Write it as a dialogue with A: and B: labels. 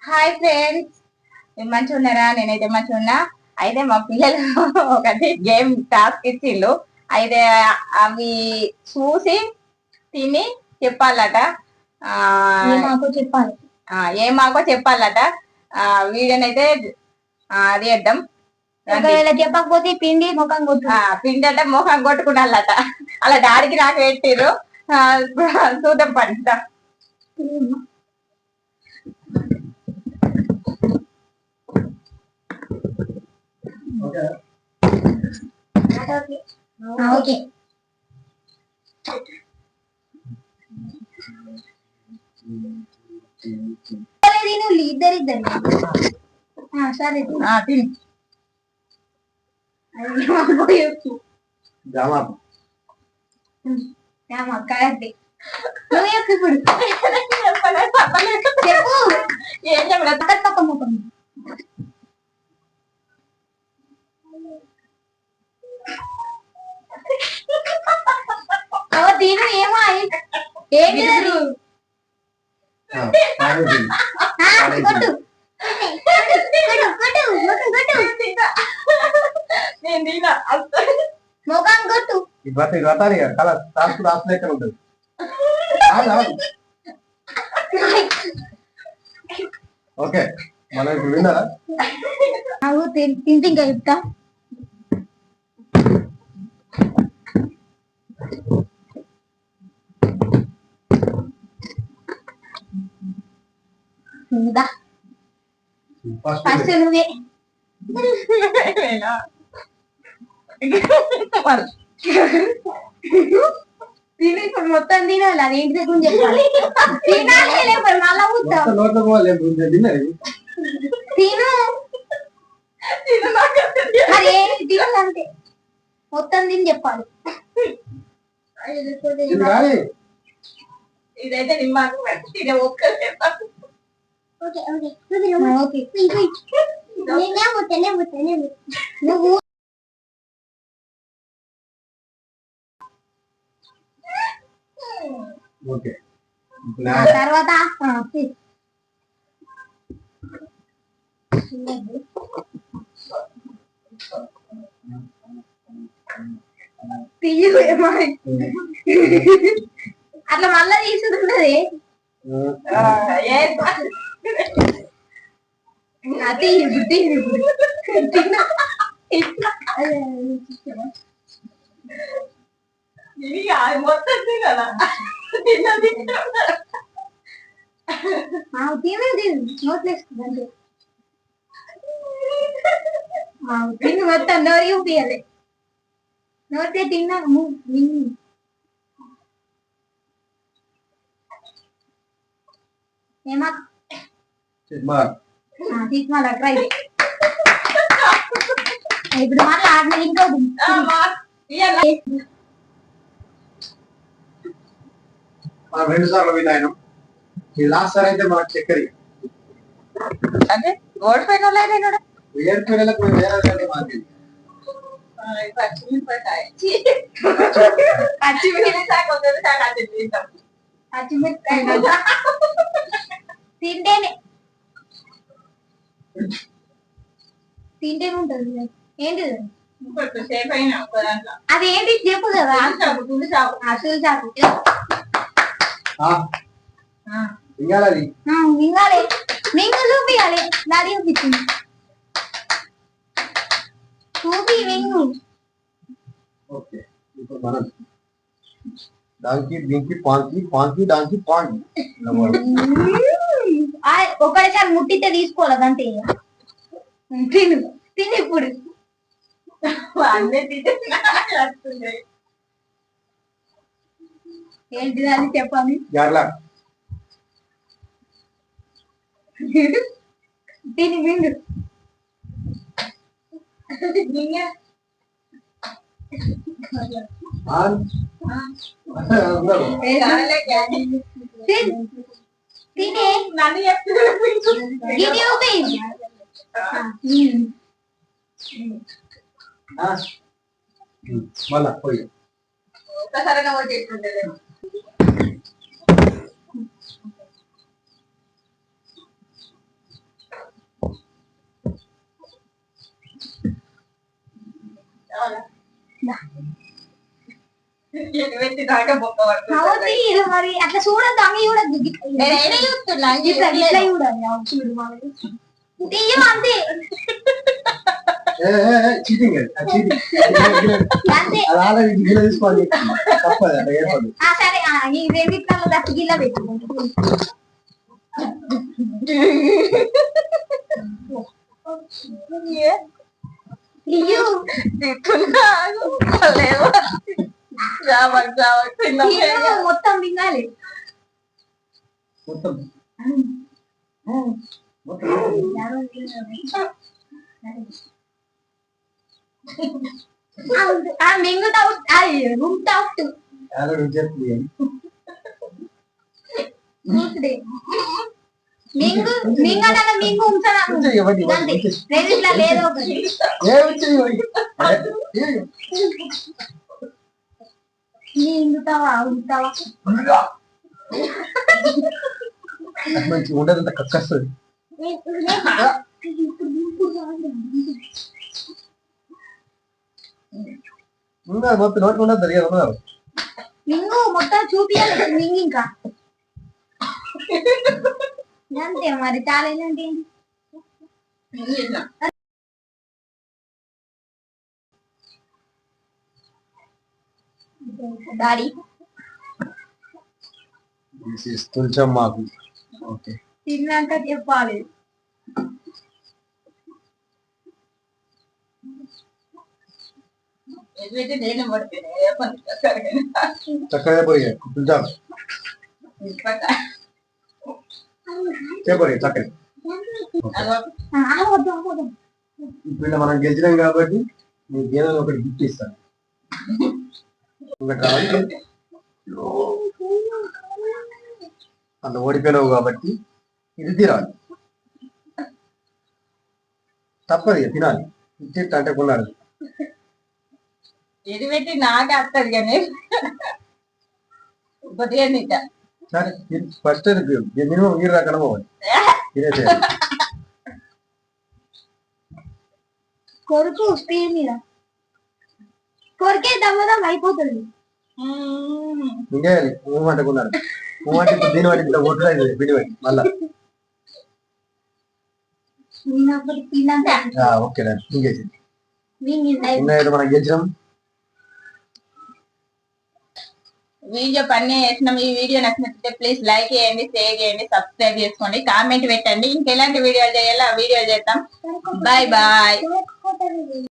A: Hi friends, మీరు మంచిగా ఉన్నారా? నేనైతే మంచిగా ఉన్నా. అయితే మా పిల్లలు ఒకటి గేమ్ టాస్క్ ఇచ్చిళ్ళు. అయితే అవి చూసి తిని చెప్పాలట.
B: చెప్పాలి
A: ఏమాకో చెప్పాలట. వీడియోనైతే చేద్దాం.
B: ఒకవేళ చెప్పకపోతే పిండి ముఖం కొట్టు.
A: పిండి అంటే ముఖం కొట్టుకున్నాలట. అలా డాడీకి నాకు పెట్టిర్రు. చూద్దాం పంచుతాం.
B: ఓకే ఇద్దరిద్దరు సరే
A: తిని
B: కరెక్ట్. నువ్వు చెప్పు ఇప్పుడు. చెప్పు.
A: ఏం చెప్పలేదు.
B: పక్క ముఖం దీని ఏమో ఏంటి కొట్టు ముఖం కొట్టు.
C: ఓకే మనం ఇప్పుడు విన్నారా?
B: తింటే ఇంకా చెప్తా. ఫస్ట్ నువ్వే తిని ఇప్పుడు మొత్తం తినాలి. అది ఏంటి దగ్గర చెప్పాలి. తినాలి మళ్ళా తిను మరి తినాలంటే మొత్తం తిని చెప్పాలి.
A: ఇదైతే నిమ్మాకు తినే ఒక్కరే.
B: నువ్వు తర్వాత అట్లా మళ్ళా తీసుకుంటది.
A: మొత్తం తినాలా?
B: నోట్లేసుకుందంటే తిని మొత్తం నోరు చూపియాలి. నోట్లే తిన్నా ఏమా తీసుకున్నా ట్రై. ఇప్పుడు మళ్ళీ ఆడిన ఇంకో
C: మనం 2 సార్లు విన్నాను. ఈ లాస్ట్ సార్ అయితే మనకు చక్కెర
A: అంటే ఓడిపోయిన వాళ్ళైనా
C: ఏడుపేలకు వేరే మాకు
B: తింటేనే తింటేనే ఉంటుంది. ఏంటిది అది ఏంటి చెప్పు కదా. అసలు చాకు
C: మింగాలి
B: మింగాలి. మింగు చూపియాలి. నాది చూపించింది చూపి మింగు.
C: ఓకే ఇప్పుడు మనం డాంకీ డింకీ పాంకీ పాంకీ డాంకీ పాంకీ
B: ఒకటిసారి ముట్టితే తీసుకోవాలి అంతే. తిను తిని ఇప్పుడు ఏంటిది అని చెప్పాలి. తిని మింగు. తినే
C: మళ్ళా పోయి
A: ఒక్కసారిగా ఓటేస్తుండే. ఎటువంటి దాకా బొక్క
B: అవుతుంది ఇది మరి అట్లా చూడద్దు అంగ చూడద్దు
A: చూస్తున్నా
B: ఇట్లా ఇట్లా చూడాలి అవును, చూడు మామయ్య. తీయం అంతే
C: చీటింగ్
B: అంతే
C: అది ఆల్రెడీ గిన్నె తీసుకోవాలి తప్పదు అట్లా ఏర్పడదు
B: సరే ఈ రెండిట్లలో దక్కి గిల్ల పెట్టుకుంటా ఇయ్యు ఇయ్యు, మొత్తం మింగాలి
C: మొత్తం మొత్తం
B: మింగుతా రూమ్ అవుట్
C: ఆల్రెడీ చెప్తుంది
B: మింగు మింగనగా మింగు ఉంచాను రెండిట్లా లేదో ఒకటి మింగుతావా ఉంటావా
C: మంచి ఉండదంత కక్కస్తుంది మొత్తం నోటి ఉండదు తెలియదు
B: మింగు మొత్తం చూపియాలి మింగి ఇంకా అంతే మరి చాలా ఏంటి డాడీ
C: తులచం మాకు ఓకే
B: తిన్నాక చెప్పాలి
C: చక్కగా పోయి తులచాం చెప్పండి చక్కగా ఇప్పుడు మనం గెలిచినాం కాబట్టి నీకు ఏదో ఒకటి గిఫ్ట్ ఇస్తాను ఒకటి రావాలి అంత ఓడిపోయినావు కాబట్టి ఇది తినాలి తప్పదు ఇక తినాలి ఇచ్చేట అంటే కొన్నాడు
A: ఇది పెట్టి నాకే వస్తుంది కానీ కొద్దిగా తింటా
C: సరే ఫస్ట్ మినిమం నీరు రాకుండా పోవాలి తినేసేయాలి
B: కొరుకు స్పీడ్ మీద కొరికే దమ్మదం అయిపోతుంది
C: ఇంకేయాలి మూమెంట్ కొన్నాడు మూమెంట్ ఇప్పుడు దీని వాటి ఇంత కొట్టుడు బిడి వాటి మళ్ళా ఓకే ఇంకేసి మనం గెలిచినాం
A: వీడియో పని చేసినాం. ఈ వీడియో నచ్చినట్లయితే ప్లీజ్ లైక్ చేయండి, షేర్ చేయండి, సబ్స్క్రైబ్ చేసుకోండి, కామెంట్ పెట్టండి. ఇంకెలాంటి వీడియోలు చేయాలో ఆ వీడియోలు చేద్దాం. Bye bye.